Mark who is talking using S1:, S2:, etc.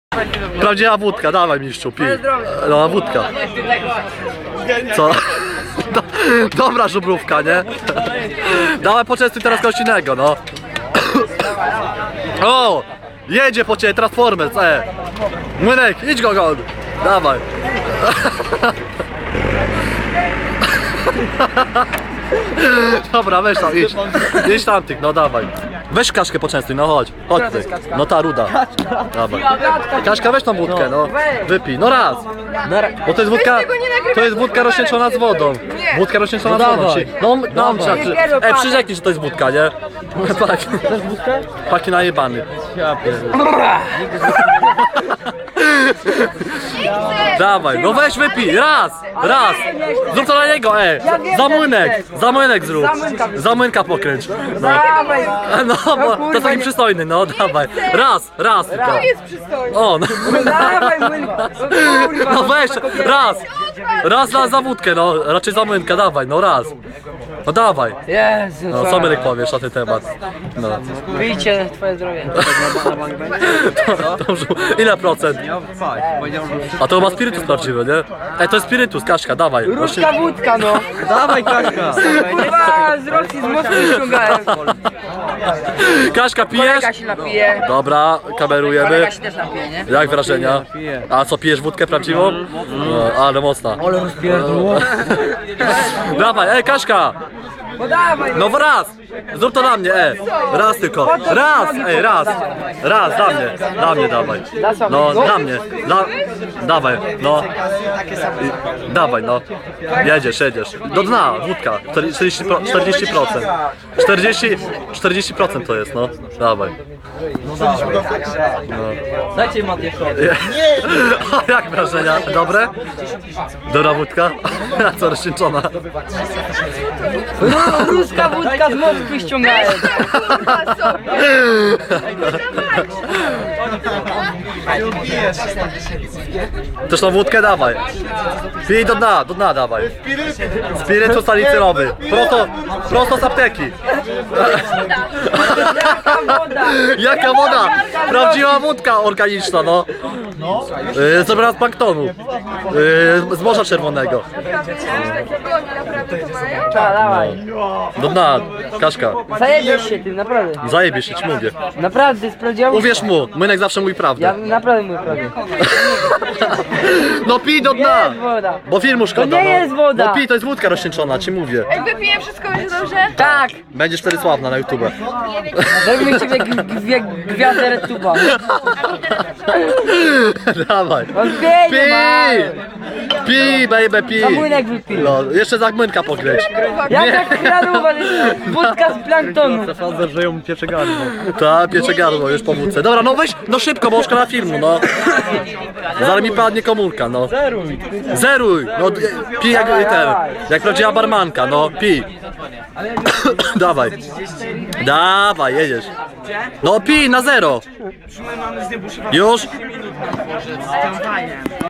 S1: Prawdziwa wódka, dawaj mistrzu, pij. No, wódka. Co? Dobra żubrówka, nie? Dawaj poczęstuj teraz kogoś innego, no. O! Jedzie po ciebie Transformers, Młynek, idź go gol. Dawaj. Dobra, weź tam, idź tamtych, no dawaj. Weź Kaszkę poczęstuj, no chodź, chodź ty. No ta ruda. Dawaj. Kaszka, weź tą wódkę, no. Wypij, no raz. Bo to jest wódka rozcieńczona z wodą. Wódka rozcieńczona z wodą. No, przyrzeknij, że to jest wódka, nie? Paki najebany. Dawaj, no weź wypij, raz. Zrób to na niego, za młynek zrób. Za młynka pokręć. No, bo to jest taki przystojny, no dawaj. Raz tylko.
S2: To jest przystojny.
S1: O, no.
S2: Dawaj młynka.
S1: No weź, raz za wódkę, no, raczej za młynka, dawaj, no raz. No dawaj.
S2: Jezu.
S1: No, co Myrek powiesz na ten temat? No.
S2: Wyjdzie twoje zdrowie.
S1: Dobrze, ile procent? A to ma spirytus prawdziwy, nie? To jest spirytus, Kaszka, dawaj.
S2: Ruska wódka, no.
S3: Dawaj Kaszka!
S2: Kurwa, z Rosji z Moskwy ściągałem.
S1: Kaszka, pijesz?
S2: Kolega się napije.
S1: Dobra, kamerujemy.
S2: Kolega się też napije, nie?
S1: Jak wrażenia? A co, pijesz wódkę prawdziwą? No, ale mocna.
S2: Ale rozpierdło.
S1: Dawaj, Kaszka!
S2: No dawaj.
S1: No raz! Zrób to na mnie, raz tylko. Raz, dla mnie dawaj. No, dla mnie. Dawaj, no. Dawaj, no. Jedziesz. Do dna, wódka. 40%. 40% to jest, no. Dawaj.
S3: Dajcie Matię
S1: Jak wrażenia? Dobre? Dobra wódka? Co, rozcieńczona?
S2: Ruska wódka z Moskwy ściągałem.
S1: Też tą wódkę dawaj. Pij do dna dawaj. Spirytus salicylowy. Prosto z apteki. Jaka woda? Prawdziwa wódka organiczna, no. Zrobiona z planktonu. Z Morza Czerwonego.
S2: Dawaj.
S1: Do dna, Kaszka.
S2: Zajebiesz się tym, naprawdę.
S1: Zajebiesz się, ci mówię.
S2: Naprawdę, sprawdziłem.
S1: Uwierz mu, Młynek zawsze mówi
S2: Ja
S1: prawdę.
S2: naprawdę mówię prawdę.
S1: No pij do dna!
S2: Jest woda.
S1: Bo filmu szkoda.
S2: To nie jest woda.
S1: No pij, to jest wódka rozcieńczona, ci mówię.
S4: Jak wypiję wszystko, będzie dobrze?
S2: Tak.
S1: Będziesz wtedy sławna na YouTube.
S2: Zrobimy ciebie gwiazdę RedTube'a.
S1: Dawaj.
S2: On biegnie,
S1: Pij, baby, pij.
S2: Za młynek wypij.
S1: No, jeszcze za Młynka pokręć.
S2: Jaka kradowa, wódka z planktonu.
S3: Sądzę, że ją piecze gardło.
S1: Ta, piecze gardło, już po wódce. Dobra, no weź, no szybko, bo szkoda filmu, no. Zaraz mi padnie komórka, no. Zeruj. No, pij jak prawdziwa barmanka, no, pij. Dawaj, jedziesz. No pij na 0. Już?